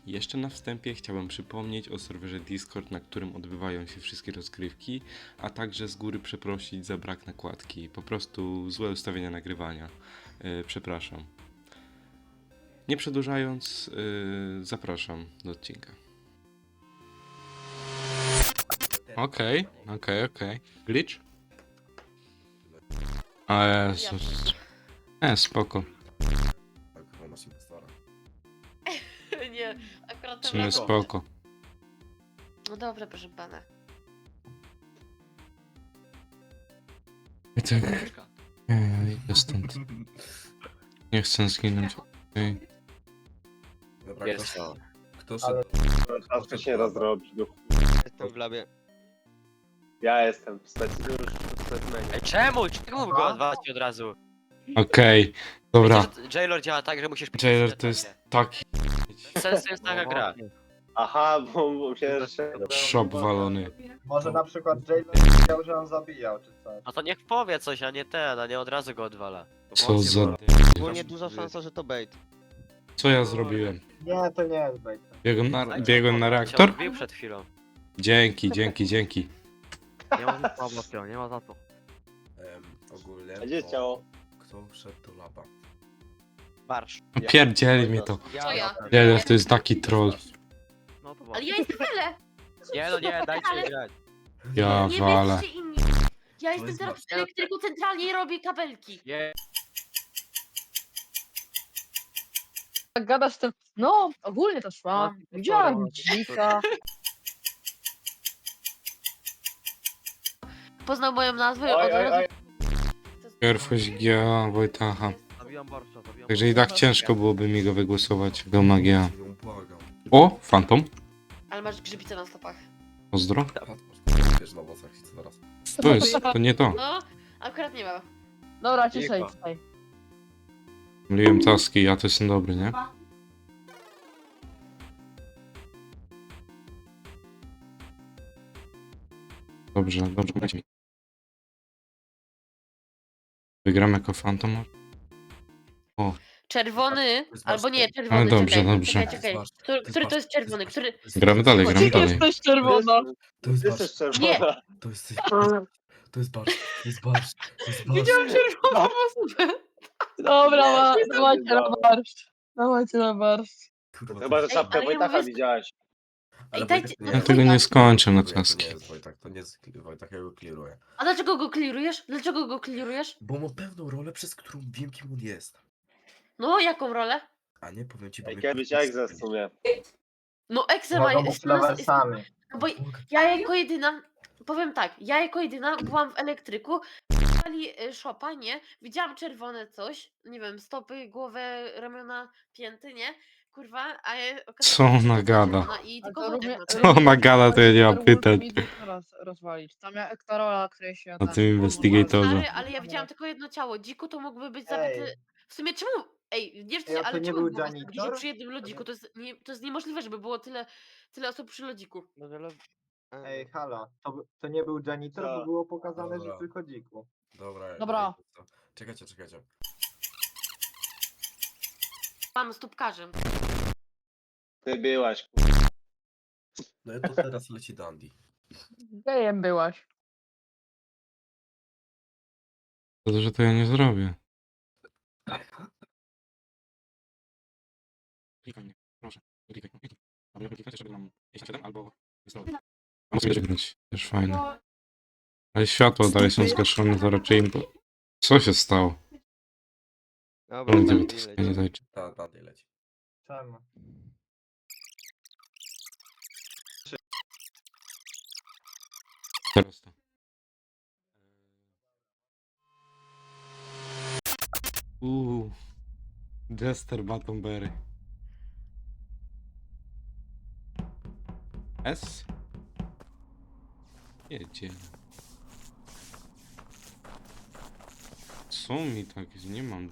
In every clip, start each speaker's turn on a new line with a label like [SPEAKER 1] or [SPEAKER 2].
[SPEAKER 1] Jeszcze na wstępie chciałem przypomnieć o serwerze Discord, na którym odbywają się wszystkie rozgrywki, a także z góry przeprosić za brak nakładki. Po prostu złe ustawienia nagrywania. Przepraszam. Nie przedłużając, zapraszam do odcinka. Okej. Glitch? A Jezus. Spoko.
[SPEAKER 2] Tak, ona się postara.
[SPEAKER 3] Nie, akurat
[SPEAKER 1] W
[SPEAKER 3] ten
[SPEAKER 1] sumie
[SPEAKER 3] raz-
[SPEAKER 1] spoko.
[SPEAKER 3] No dobrze, proszę pana.
[SPEAKER 1] I tak. Idę stąd. Nie chcę zginąć. Okej.
[SPEAKER 2] Dobra,
[SPEAKER 4] Jest.
[SPEAKER 2] kto szedł?
[SPEAKER 5] Czaskę się rozrobić.
[SPEAKER 4] Jestem w labie.
[SPEAKER 5] Ja jestem w specimenie.
[SPEAKER 4] Ej, czemu? Czemu go odwalać od razu?
[SPEAKER 1] Okej. Dobra.
[SPEAKER 4] Wiecie, że Jailor działa tak, że musisz...
[SPEAKER 1] Jailer to jest taki
[SPEAKER 4] Sensu jest taka gra.
[SPEAKER 5] Aha, bo myślałem, że...
[SPEAKER 1] shop walony.
[SPEAKER 6] Może na przykład Jalen wiedział, że on zabijał, czy coś.
[SPEAKER 4] No to niech powie coś, a nie ten, a nie od razu go odwala.
[SPEAKER 1] Co za...
[SPEAKER 7] Ogólnie duża szansa, że to bait.
[SPEAKER 1] Co ja zrobiłem?
[SPEAKER 6] Nie, to nie jest bait.
[SPEAKER 1] Biegłem na
[SPEAKER 4] Cię
[SPEAKER 1] reaktor?
[SPEAKER 4] odbił przed chwilą.
[SPEAKER 1] Dzięki.
[SPEAKER 7] Nie ma za co, nie ma za co.
[SPEAKER 2] Ogólnie.
[SPEAKER 5] A gdzie ciało?
[SPEAKER 2] Kto wszedł do laba?
[SPEAKER 4] Marsz.
[SPEAKER 1] Pierdzieli mnie to.
[SPEAKER 3] Co ja?
[SPEAKER 1] Jailer to jest taki troll.
[SPEAKER 7] No to
[SPEAKER 3] Ale ja jestem tyle!
[SPEAKER 4] Nie no nie, dajcie grać.
[SPEAKER 1] Ja
[SPEAKER 3] Nie
[SPEAKER 1] walę.
[SPEAKER 3] wiecie inni. Ja jestem
[SPEAKER 2] jest
[SPEAKER 3] teraz w elektryku centralnie i robię kabelki.
[SPEAKER 4] Nie.
[SPEAKER 8] Tak gadasz z tym, no ogólnie to szłam, widziałam dzika.
[SPEAKER 3] Poznał moją nazwę
[SPEAKER 5] Oj,
[SPEAKER 3] od
[SPEAKER 5] oj,
[SPEAKER 3] razu.
[SPEAKER 5] oj.
[SPEAKER 1] Pierwość GA Wojtacha.
[SPEAKER 7] zabijam Barsza, zabijam
[SPEAKER 1] Także i tak ciężko byłoby mi go wygłosować. Do magia.
[SPEAKER 2] Ją błagam.
[SPEAKER 1] O! Phantom.
[SPEAKER 3] Ale masz grzybice na stopach.
[SPEAKER 1] Pozdro.
[SPEAKER 2] Wiesz na włosach i co teraz?
[SPEAKER 1] To jest, to nie to.
[SPEAKER 3] No, akurat nie ma.
[SPEAKER 8] Dobra, ciszej tutaj.
[SPEAKER 1] Myliłem taski, ja to jestem dobry, nie? Dobrze, dajcie mi. Wygram jako Phantom?
[SPEAKER 3] Czerwony,
[SPEAKER 2] To jest
[SPEAKER 3] albo nie,
[SPEAKER 2] ważne.
[SPEAKER 3] czerwony.
[SPEAKER 1] No dobrze,
[SPEAKER 3] czekaj,
[SPEAKER 1] dobrze.
[SPEAKER 3] Czekaj,
[SPEAKER 2] To
[SPEAKER 3] czekaj.
[SPEAKER 2] jest
[SPEAKER 3] Który to jest
[SPEAKER 2] ważne.
[SPEAKER 3] czerwony? Który...
[SPEAKER 1] Gramy dalej, gramy
[SPEAKER 8] Ty
[SPEAKER 1] dalej.
[SPEAKER 8] jesteś czerwona.
[SPEAKER 2] To jest
[SPEAKER 5] Ty
[SPEAKER 2] barsz.
[SPEAKER 5] jesteś czerwona.
[SPEAKER 2] To jest To jest barsz. To jest barsz. To jest barsz.
[SPEAKER 8] Widziałam czerwoną osobę. Dobra, dawajcie na barszcz. Dawajcie na barszcz.
[SPEAKER 2] Kurwa,
[SPEAKER 5] Chyba, że
[SPEAKER 3] Ej,
[SPEAKER 5] czapkę
[SPEAKER 3] ale ja
[SPEAKER 5] Wojtacha
[SPEAKER 3] mówię-
[SPEAKER 5] widziałeś.
[SPEAKER 2] Ale
[SPEAKER 3] Ej, dajcie-
[SPEAKER 2] Wojtek
[SPEAKER 3] Ja
[SPEAKER 1] Ja tego nie skończę na taski.
[SPEAKER 2] To nie jest Wojtek, to nie jest Wojtek, ja go clearuję.
[SPEAKER 3] A dlaczego go klirujesz? Dlaczego go klirujesz?
[SPEAKER 2] Bo mam pewną rolę, przez którą wiem, kim on jest.
[SPEAKER 3] No, jaką rolę?
[SPEAKER 2] A nie powiem ci, bo
[SPEAKER 5] Ej,
[SPEAKER 2] mnie
[SPEAKER 5] kiedyś
[SPEAKER 2] kurwa
[SPEAKER 5] egzę w sumie.
[SPEAKER 3] No, Exe ma...
[SPEAKER 6] Mogą być loversami.
[SPEAKER 3] No bo ja jako jedyna, powiem tak, ja jako jedyna byłam w elektryku, dali szopa, nie? Widziałam czerwone coś, nie wiem, stopy, głowę, ramiona, pięty, nie? Kurwa, a ja
[SPEAKER 1] Co ona gada?
[SPEAKER 3] I
[SPEAKER 8] A
[SPEAKER 3] tylko
[SPEAKER 8] to
[SPEAKER 3] Wojtek
[SPEAKER 8] równie-
[SPEAKER 3] ma
[SPEAKER 1] Co
[SPEAKER 3] czerwone.
[SPEAKER 1] ona gada, to ja nie mam
[SPEAKER 8] Werewolf
[SPEAKER 1] pytań.
[SPEAKER 8] mi teraz rozwalić. Tam ja Ektarola, której się...
[SPEAKER 1] Na tym investigatorze.
[SPEAKER 3] Stary, ale ja widziałam tylko jedno ciało. Dziku to mógłby być zabity.
[SPEAKER 6] Ej.
[SPEAKER 3] W sumie czemu? Ej, nie
[SPEAKER 6] Ej, a to
[SPEAKER 3] ale
[SPEAKER 6] nie
[SPEAKER 3] czemu
[SPEAKER 6] był
[SPEAKER 3] było was tak dużo
[SPEAKER 6] janitor?
[SPEAKER 3] przy jednym lodziku? To jest niemożliwe, żeby było tyle osób przy lodziku.
[SPEAKER 6] Ej, halo, to nie był janitor,
[SPEAKER 5] Co?
[SPEAKER 6] bo było pokazane, że
[SPEAKER 2] Dobra.
[SPEAKER 6] tylko dziku.
[SPEAKER 2] Dobra.
[SPEAKER 8] Dobra.
[SPEAKER 2] Czekajcie.
[SPEAKER 3] Mam stópkarzem.
[SPEAKER 5] Ty byłaś.
[SPEAKER 2] No i to teraz leci Dandy.
[SPEAKER 8] Gejem byłaś.
[SPEAKER 1] To, że to ja nie zrobię. Klikaj mnie, proszę. Klikaj. Albo kliknąć, żeby nam 57 albo wysłać. A muszę będzie grać. Też fajne. Ale światła dalej są zgaszone, to raczej im... Co się stało?
[SPEAKER 7] Dobra,
[SPEAKER 1] Gdzie
[SPEAKER 7] Dandy
[SPEAKER 1] to
[SPEAKER 7] leci.
[SPEAKER 1] nie zajdzie.
[SPEAKER 2] Dandy leci.
[SPEAKER 6] Czemu?
[SPEAKER 1] Teraz to. Jester Batonberry. S? Jedzie. Co mi tak? Nie mam.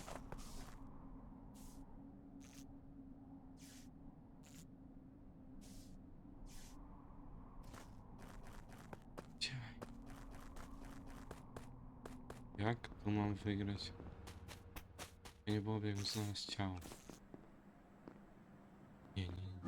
[SPEAKER 1] Gdzie? Jak tu mam wygrać? Ja nie byłoby jak znaleźć ciało. Nie.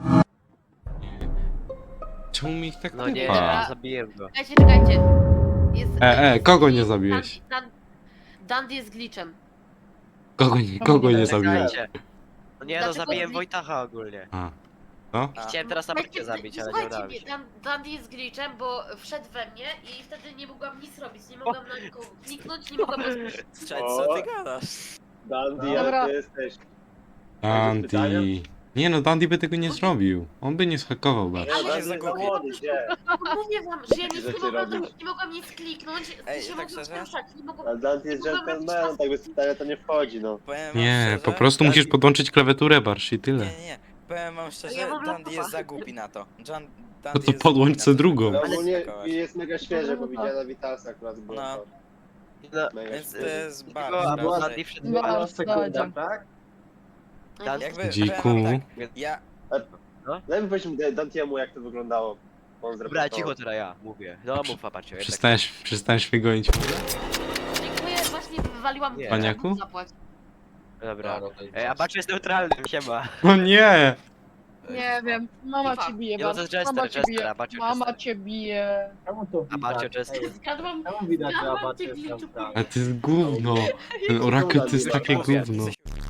[SPEAKER 1] Czemu mi ich tak
[SPEAKER 4] No nie,
[SPEAKER 1] typa?
[SPEAKER 4] zabiłem go.
[SPEAKER 3] Czekajcie. Jest,
[SPEAKER 1] kogo nie zabiłeś?
[SPEAKER 3] Dandy jest glitchem.
[SPEAKER 1] Kogo nie zabiłeś?
[SPEAKER 4] Czekajcie. No nie, no
[SPEAKER 3] Dlaczego
[SPEAKER 4] zabiłem
[SPEAKER 3] zli-
[SPEAKER 4] Wojtacha ogólnie.
[SPEAKER 1] A. No?
[SPEAKER 4] I chciałem teraz Abacie zabić, ale nie udało mi się.
[SPEAKER 3] Dandy jest glitchem, bo wszedł we mnie i wtedy nie mogłam nic robić. Nie mogłam na nikogo kliknąć, nie mogłam bezpośrednio.
[SPEAKER 5] Co ty gadasz? Dandy,
[SPEAKER 8] Dobra.
[SPEAKER 5] jak ty jesteś?
[SPEAKER 1] Dandy. Nie no, Dandy by tego nie zrobił. On by nie zhakował
[SPEAKER 5] Nie,
[SPEAKER 1] bardzo.
[SPEAKER 5] Dandy jest zawody, gdzie?
[SPEAKER 3] Mówię wam, że ja nic
[SPEAKER 5] Rzeczy
[SPEAKER 3] nie mogłam
[SPEAKER 5] robić.
[SPEAKER 3] robić, nie mogłam nic kliknąć,
[SPEAKER 9] Ej,
[SPEAKER 3] się
[SPEAKER 9] tak
[SPEAKER 3] mogłam
[SPEAKER 9] szczerze?
[SPEAKER 3] poruszać, nie mogłam...
[SPEAKER 5] A Dandy jest gentlemanem, tak bez pytania to nie wchodzi, no.
[SPEAKER 9] Powiem wam
[SPEAKER 1] Nie,
[SPEAKER 9] szczerze,
[SPEAKER 1] po prostu musisz
[SPEAKER 9] Dandy-
[SPEAKER 1] podłączyć klawiaturę, Barsz, i tyle.
[SPEAKER 9] Nie. Powiem wam szczerze,
[SPEAKER 3] Ja mam
[SPEAKER 9] Dandy jest
[SPEAKER 3] laptopa.
[SPEAKER 9] za głupi na to. Dandy
[SPEAKER 1] No to
[SPEAKER 9] jest
[SPEAKER 1] podłącz
[SPEAKER 9] głupi
[SPEAKER 1] se
[SPEAKER 9] na to,
[SPEAKER 1] drugą.
[SPEAKER 9] żeby
[SPEAKER 5] No
[SPEAKER 3] Ale-
[SPEAKER 5] ogólnie
[SPEAKER 9] skakować.
[SPEAKER 5] jest mega świeże, bo widziałem na Witalsa akurat było
[SPEAKER 9] No.
[SPEAKER 5] to.
[SPEAKER 4] No,
[SPEAKER 5] Mega
[SPEAKER 9] Więc to
[SPEAKER 5] świeże.
[SPEAKER 9] jest
[SPEAKER 4] tylko
[SPEAKER 9] bardzo
[SPEAKER 4] bo
[SPEAKER 9] raczej.
[SPEAKER 4] Dandy wszedł.
[SPEAKER 8] No.
[SPEAKER 6] Była sekunda,
[SPEAKER 8] Dadzia.
[SPEAKER 6] tak?
[SPEAKER 4] Dan-
[SPEAKER 9] Jakby,
[SPEAKER 1] Dziku.
[SPEAKER 9] powiem wam tak, ja
[SPEAKER 5] Daj mi powiedzieć Dantiemu, jak to wyglądało. On
[SPEAKER 4] Dobra,
[SPEAKER 5] zreportował.
[SPEAKER 4] cicho teraz ja mówię. No mów Abacie, jednak.
[SPEAKER 1] Przestałeś mnie gonić?
[SPEAKER 3] Dziękuję, właśnie wywaliłam...
[SPEAKER 4] Nie.
[SPEAKER 1] Paniaku?
[SPEAKER 3] Zapłać.
[SPEAKER 4] Dobra. Abacie jest neutralny, siema.
[SPEAKER 1] No nie!
[SPEAKER 8] Nie wiem, mama cię bije,
[SPEAKER 4] Nie, no to
[SPEAKER 8] Barsz.
[SPEAKER 4] jest Jester,
[SPEAKER 8] Mama cię
[SPEAKER 4] Jester,
[SPEAKER 8] bije.
[SPEAKER 4] Abacie
[SPEAKER 8] Mama
[SPEAKER 4] Jester.
[SPEAKER 8] cię bije.
[SPEAKER 6] Czemu to
[SPEAKER 4] Abacie
[SPEAKER 6] widać?
[SPEAKER 4] Jester.
[SPEAKER 6] Ej,
[SPEAKER 3] Zgadłam...
[SPEAKER 6] czemu widać, że
[SPEAKER 3] Zgadłam
[SPEAKER 6] Abacie
[SPEAKER 3] cię,
[SPEAKER 6] jest
[SPEAKER 3] Glitchu,
[SPEAKER 6] tam?
[SPEAKER 1] Ale to jest gówno. Ten orakel to jest takie gówno.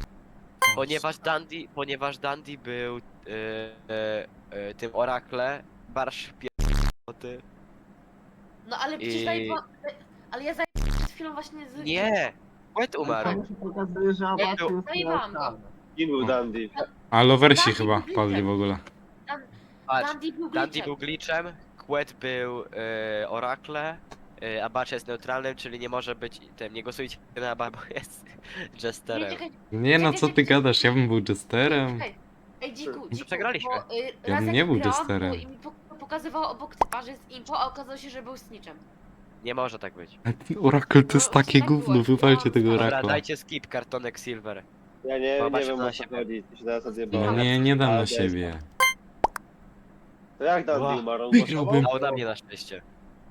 [SPEAKER 4] Ponieważ Dandy był tym orakle, Barsz ty.
[SPEAKER 3] No ale przecież
[SPEAKER 4] I-
[SPEAKER 3] zajebałam... Ale ja zajebałam przed chwilą właśnie z...
[SPEAKER 4] Nie! Płet umarł.
[SPEAKER 6] Tam się pokazuje, że Abacie jest
[SPEAKER 3] Zajebałam go.
[SPEAKER 6] neutralny.
[SPEAKER 5] Kim był Dandy?
[SPEAKER 1] A lowersi
[SPEAKER 3] Dandy
[SPEAKER 1] chyba
[SPEAKER 3] był
[SPEAKER 1] padli
[SPEAKER 3] glitchem.
[SPEAKER 1] w ogóle.
[SPEAKER 4] Patrz,
[SPEAKER 3] Dandy był
[SPEAKER 4] Dandy
[SPEAKER 3] glitchem.
[SPEAKER 4] był glitchem, Quet był orakle, Abacie jest neutralnym, czyli nie może być tym, nie głosujcie na Aba, bo jest
[SPEAKER 3] Nie,
[SPEAKER 4] Jesterem.
[SPEAKER 3] czekaj,
[SPEAKER 1] Nie no, co ty gadasz? Ja bym był jesterem.
[SPEAKER 3] czekaj. Ej, dziku,
[SPEAKER 4] przegraliśmy.
[SPEAKER 3] Bo,
[SPEAKER 1] Ja
[SPEAKER 3] raz
[SPEAKER 1] bym
[SPEAKER 3] jak
[SPEAKER 1] nie był
[SPEAKER 3] grałam,
[SPEAKER 1] jesterem.
[SPEAKER 3] to i mi pokazywało obok typa, że jest impo, a okazało się, że był snitchem.
[SPEAKER 4] Nie może tak być.
[SPEAKER 1] A ten orakel to jest
[SPEAKER 3] No,
[SPEAKER 1] takie
[SPEAKER 3] tak
[SPEAKER 1] gówno,
[SPEAKER 3] było.
[SPEAKER 1] wywalcie tego
[SPEAKER 4] Dobra,
[SPEAKER 1] orakla.
[SPEAKER 4] dajcie skip, kartonek silver.
[SPEAKER 5] Ja nie
[SPEAKER 4] Zobacz
[SPEAKER 5] wiem
[SPEAKER 4] na
[SPEAKER 5] o co
[SPEAKER 4] siebie.
[SPEAKER 5] chodzi, ty się teraz
[SPEAKER 1] No
[SPEAKER 5] odjebałem.
[SPEAKER 1] nie dam
[SPEAKER 5] Ale
[SPEAKER 1] na
[SPEAKER 5] jest-
[SPEAKER 1] siebie.
[SPEAKER 5] To jak Dandy
[SPEAKER 4] Ła,
[SPEAKER 5] umarł? On
[SPEAKER 1] wygrałbym.
[SPEAKER 5] głosował?
[SPEAKER 4] A na mnie na szczęście.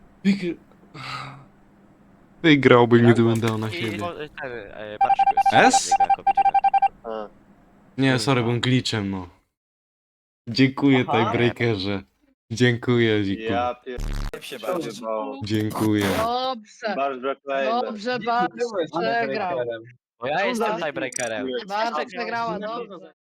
[SPEAKER 1] Wygrałbym,
[SPEAKER 5] Jak
[SPEAKER 1] gdybym dał na
[SPEAKER 4] I
[SPEAKER 1] siebie.
[SPEAKER 4] ten, Barszczyk jest
[SPEAKER 1] S?
[SPEAKER 4] jako vigilant.
[SPEAKER 5] A.
[SPEAKER 1] Nie, sorry, byłem glitchem, no. Dziękuję,
[SPEAKER 6] Aha.
[SPEAKER 1] tiebreakerze. Dziękuję, Dziku.
[SPEAKER 5] Ja pier...
[SPEAKER 9] się
[SPEAKER 5] Co
[SPEAKER 9] bardziej.
[SPEAKER 5] odjebało?
[SPEAKER 1] Dziękuję.
[SPEAKER 8] Dobrze,
[SPEAKER 5] Barsz Brocklejmer.
[SPEAKER 8] dobrze,
[SPEAKER 6] Dziku,
[SPEAKER 8] Barsz
[SPEAKER 6] byłeś
[SPEAKER 8] przegrał.
[SPEAKER 6] breakerem.
[SPEAKER 4] Bo ja jestem tiebreakerem.
[SPEAKER 8] Barsz przegrała, dobrze.